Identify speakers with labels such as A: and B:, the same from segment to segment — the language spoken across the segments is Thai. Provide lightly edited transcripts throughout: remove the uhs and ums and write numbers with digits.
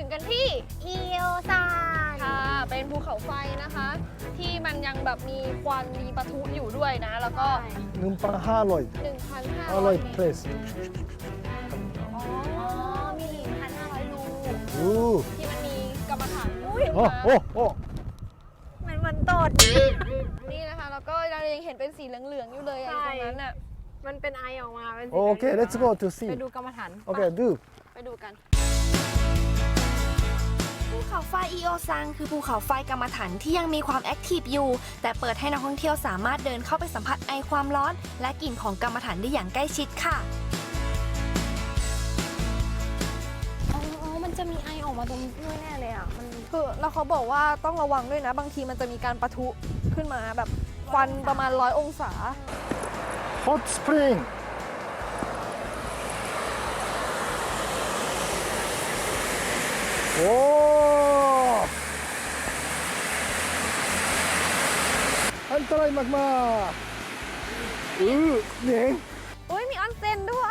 A: งกันที่
B: อิโอซาน
A: ค่ะเป็นภูเขาไฟนะคะ ที่มันยังแบบมีควันมีปะทุอยู่ด้วยนะ แล้วก็
C: 눈빵 하로이
A: 1,500 เมตร
C: 플레이스
A: อ๋อ
B: มี 1,500 รู
C: 우
A: ที่มันมีกรรมฐานอุ้ย
B: มันตด
A: นี่นะคะแล้วก็เรายังเห็นเป็นสีเหลืองๆอยู่เลยอะตรงนั้นน่ะ
B: มันเป็นไอออกมาเป็นสี
C: 오케이 let's go to
B: ไป
C: see
B: ดูกรรมฐาน
C: 오케이 do
A: ไปดูกัน
D: ภูเขาไฟอิโอซังคือภูเขาไฟกรรมฐานที่ยังมีความแอคทีฟอยู่ แต่เปิดให้นักท่องเที่ยวสามารถเดินเข้าไปสัมผัสไอความร้อน และกลิ่นของกรรมฐานได้อย่างใกล้ชิดค่ะ
B: อ๋อ มันจะมีไอออกมาตรงนี้ด้วยแน่เลยอ่ะ มัน
A: คือแล้วเขาบอกว่าต้องระวังด้วยนะ บางทีมันจะมีการปะทุขึ้นมาแบบควันประมาณ100 องศา
C: hot spring 오 한타라이 막마 네
A: อุ้ยมีออนเซ็นด้วย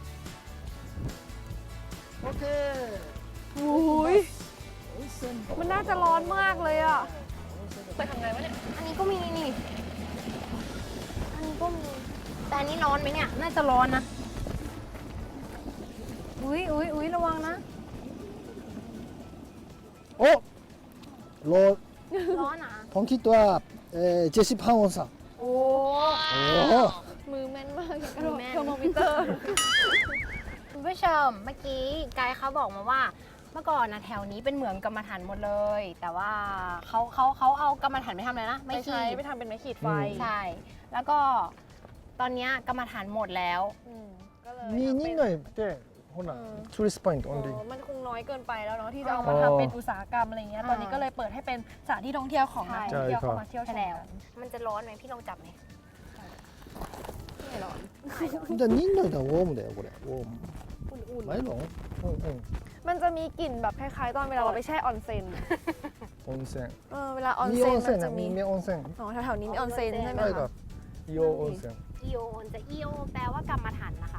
C: 오케이
A: อุ้ย
C: 온센
A: มันน่าจะร้อนมากเลยอ่ะไปทำไงวะเนี่ย
B: อันนี้ก็มีนี่ อันนี้ก็มี แต่อันนี้ร้อนไหมเนี่ย น่าจะร้อนนะ อุ้ยระวังนะ
C: 어? 로
B: ร้อนอ่ะ
C: 펑키또아 제시 파원사
B: โอ้
C: 오
A: มือแม่นมากอย่างกับ
B: มือแม่น
A: เทอร์โมมิเตอร์
B: คุณผู้ชม เมื่อกี้ไกด์เขาบอกมาว่า เมื่อก่อนนะแถวนี้เป็นเหมืองกรรมฐานหมดเลย แต่ว่าเขาเอากรรมฐานไปทำอะไรนะ
A: ไม่
B: ไม่
A: ใช้
B: ขีด
A: ไปทำเป็นไม้ขีดไฟ
B: ใช่ แล้วก็ตอนเนี้ยกรรมฐานหมดแล้ว
A: ก็เลย
C: 니
A: ทำเป็น
C: 닌노이 때 호나 투리스트 포인트
A: อ๋
C: only
A: อมันคงน้อยเกินไปแล้วเนาะที่จะเอามาทำเป็นอุตสาหกรรมอะไรเงี้ย ตอนนี้ก็เลยเปิดให้เป็นสถานที่ท่องเที่ยวของนักท่องเที่ยวเข้ามาเที่ยวช
B: ใช่
A: ม
B: แล้ว
A: กัน
B: มันจะร้อนไหมพี่ลองจับไหม
A: ไม่ร้อน
C: 진짜 닌노이 다 웜 돼요 그래 웜
A: อุ่น
C: 많이 넣어 응
A: ๆ มันจะมีกลิ่นแบบคล้ายๆ ตอนเวลาเราไปแช่ออนเซ็น
C: 온센
A: เวลาออน
C: 이
A: เซ็นมัน
C: 온센
A: จะมี
C: 미 온센
A: อ๋อแถวๆนี้มีออนเซ็นใช่ไหม
C: 아이가
A: คะ
C: 이오 온센
B: อีโอจะอีโอแปลว่ากรรมฐานนะคะ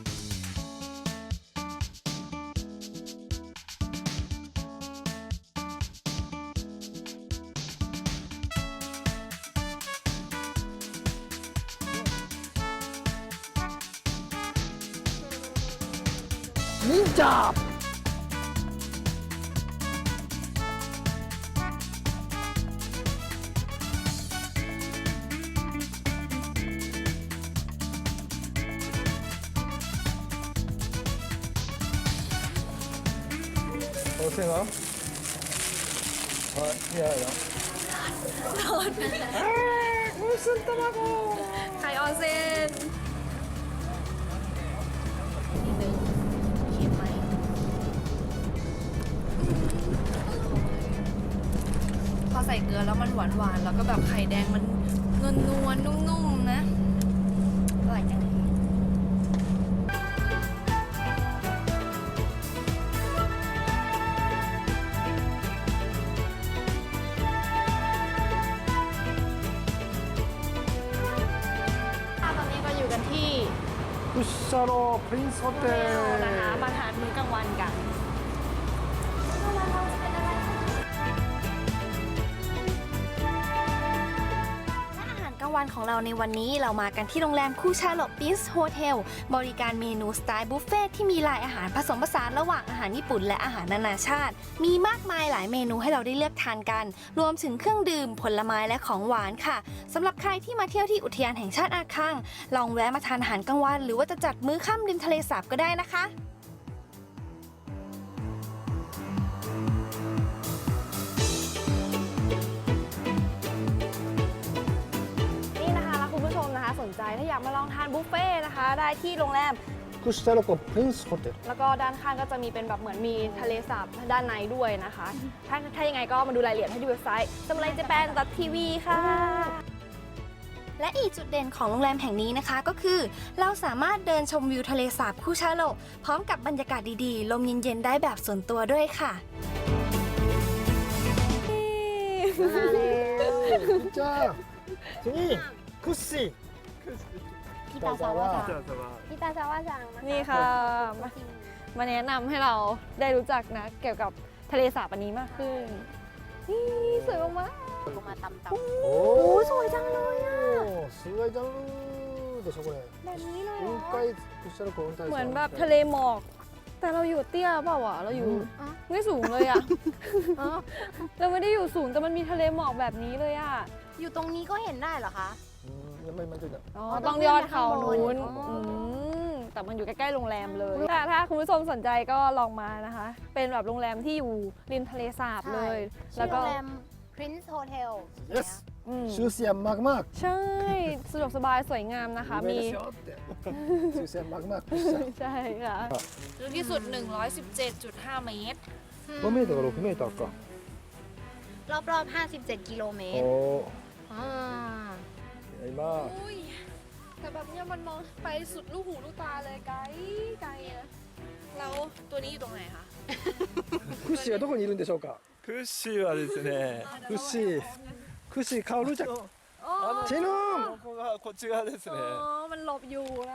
C: 닌자 어생아 야야
A: ไข่ออนเซ็น พอใส่เกลือแล้วมันหวานๆ แล้วก็แบบไข่แดงมันนวลๆ นุ่มๆ นะอร่อยจังเลย ตอนนี้ก็อยู่กันที่
C: 푸샤로 프린스
A: เทลนะคะ
C: 호텔
A: มาทานมื้อกลางวันกัน
D: และอาหารกลางวันของเราในวันนี้เรามากันที่โรงแรมคูชาโลปินส์โฮเทลบริการเมนูสไตล์บุฟเฟ่ที่มีหลายอาหารผสมผสานระหว่างอาหารญี่ปุ่นและอาหารนานาชาติ มีมากมายหลายเมนูให้เราได้เลือกทานกัน รวมถึงเครื่องดื่มผลไม้และของหวานค่ะสำหรับใครที่มาเที่ยวที่อุทยานแห่งชาติอาคังลองแวะมาทานอาหารกลางวันหรือว่าจะจัดมื้อค่ำริมทะเลสาบก็ได้นะคะ
A: นี่นะคะแล้วคุณผู้ชมนะคะสนใจถ้าอยากมาลองทานบุฟเฟ่ต์นะคะ ได้ที่โรงแรม
C: 쿠시타로코 프린스 호텔
A: แล้วก็ด้านข้างก็จะมีเป็นแบบเหมือนมีทะเลสาบด้านในด้วยนะคะ ถ้ายังไงก็มาดูรายละเอียดให้ที่เว็บไซต์ samuraijapan.tv ค่ะ
D: และอีกจุดเด่นของโรงแรมแห่งนี้นะคะก็คือ เราสามารถเดินชมวิวทะเลสาบคูชาโลพร้อมกับบรรยากาศดีๆ ลมเย็นๆได้แบบส่วนตัวด้วยค่ะ
C: 진짜 승희 쿠시
B: พี่ตาซาวะจังพี่ตาซาวะจังนะคะ
A: นี่ค่ะ มาแนะนำให้เราได้รู้จักนะเกี่ยวกับทะเลสาบอันนี้มากขึ้นนี่สวยมาก
B: ลงมาตำ
C: お
A: おーすごいじゃん
C: すごいじゃんでしょこれ
B: ๆแบบนี้เลยเหร
C: 雲
B: อ
C: 海屈斜路湖雲海
A: ๆเหมือนแบบทะเลหมอก แต่เราอยู่เตี้ยเปล่าวะเราอยู่ไม่สูงเลยอะ
B: อ๋อ
A: เราไม่ได้อยู่สูงแต่มันมีทะเลหมอกแบบนี้เลยอะ
B: อยู่ตรงนี้ก็เห็นได้เหรอคะ
C: やっぱり今ちょいだ
A: อ๋อ
B: ต้
A: ต้
B: อ
A: อง ง
B: ขึ้น
A: ยอด
B: ไป
A: เขา
B: ข้างบน
A: นู้น
B: อ๋ออื
A: แต่มันอยู่ใกล้ๆโรงแรมเลยถ้าคุณผู้ชมสนใจก็ลองมานะคะ เป็นแบบโรงแรมที่อยู่ริมทะเลสาบเลย
B: ชื่
A: แล้
B: อ
A: ว
B: โร
A: ก็
B: งแรม Prince Hotel
C: Yes
A: อืม
C: シュースヤンマグマーク
A: ใช่สะดวกสบายสวยงามนะคะ
C: 有名
A: มี
C: ですよってシュースヤンマグマーク屈斜
A: ใช่ค่ะ
E: ลึกที่สุด 117.5 เมตร
C: 5メートルか6メートルか
B: รอบๆ 57 กิโลเมตร
C: おお
B: อ่า
C: やります
A: อุ้ยแต่แบบเนี้ยมันมองไปสุดลูกหูลูกตาเลยไกลไกลอะ
E: แล้วตัวนี้อยู่ตรงไหนคะ
C: クッシーはどこにいるんでしょうか
F: クッシーはですね、
C: クッシークッシー薫ちゃんチヌ
F: ここがこっち側ですね。
A: อ๋อ มันหลบอยู่นะ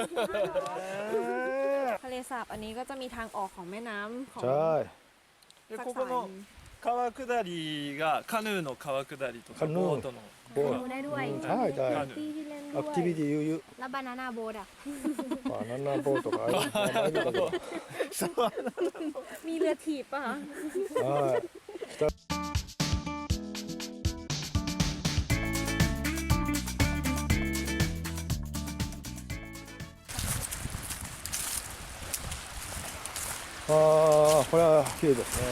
A: ทะเลสาบอันนี้ก็จะมีทางออกของแม่น้ำของ
C: ใช่
F: で
A: สัก
F: こ
A: สา
F: こ
A: ย
F: の川下りがカヌーの川下りとか
C: カヌー
F: ボートの。
C: ボー
B: ดูได้ด้วย
C: ใช่ได้
F: カヌ
A: ที่
F: ー。
A: ที่เล่น
C: ア
A: ด้
C: ク
A: ว
C: ティビ
A: ย
C: ティ悠々
B: แล้วบานาน่าโบ๊ทอ่ะ
C: バナナボートがある前見たけど
A: มีเรือถีบป่ะคะ
C: はいああこれは綺麗ですね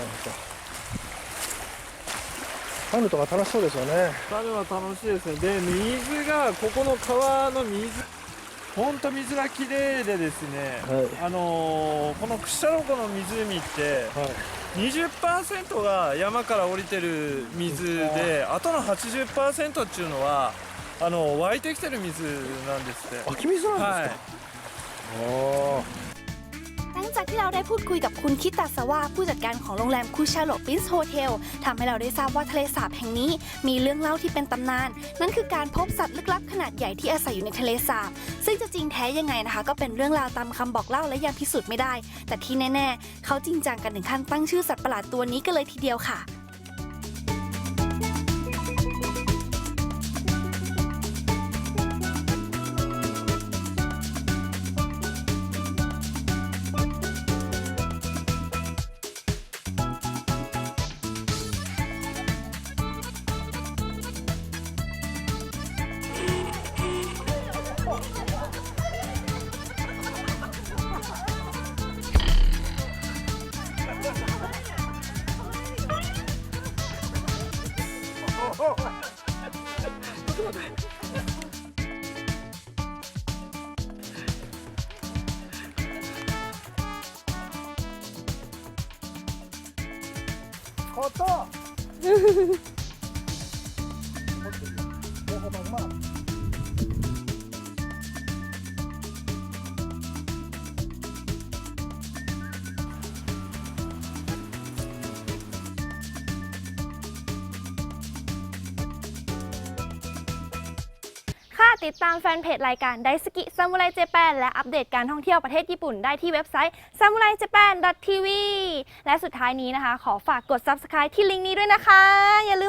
C: カヌーとか楽しそうですよね
F: カヌーは楽しいですね。で水がここの川の水、本当水が綺麗でですね。
C: はい
F: この屈斜路湖の湖って
C: はい
F: 20%が山から降りてる水で、あとの80%っていうのは湧いてきてる水なんですって。
C: 湧き水なん
F: はい
C: ですか、おー
D: หลังจากที่เราได้พูดคุยกับคุณคิตาสวาผู้จัดการของโรงแรมคูชาโลปรินซ์โฮเทลทำให้เราได้ทราบว่าทะเลสาบแห่งนี้มีเรื่องเล่าที่เป็นตำนาน นั่นคือการพบสัตว์ลึกลับขนาดใหญ่ที่อาศัยอยู่ในทะเลสาบ ซึ่งจะจริงแท้ยังไงนะคะ ก็เป็นเรื่องราวตามคำบอกเล่าและยังพิสูจน์ไม่ได้ แต่ที่แน่ๆเขาจริงจังกันถึงขั้นตั้งชื่อสัตว์ประหลาดตัวนี้กันเลยทีเดียวค่ะ
C: 変わったおまんま
A: ค่ะติดตามแฟนเพจรายการไดสกิซามูไรเจแปนและอัปเดตการท่องเที่ยวประเทศญี่ปุ่นได้ที่เว็บไซต์ samuraijapan.tv และสุดท้ายนี้นะคะ ขอฝากกด subscribe ที่ลิงก์นี้ด้วยนะคะอย่าลืม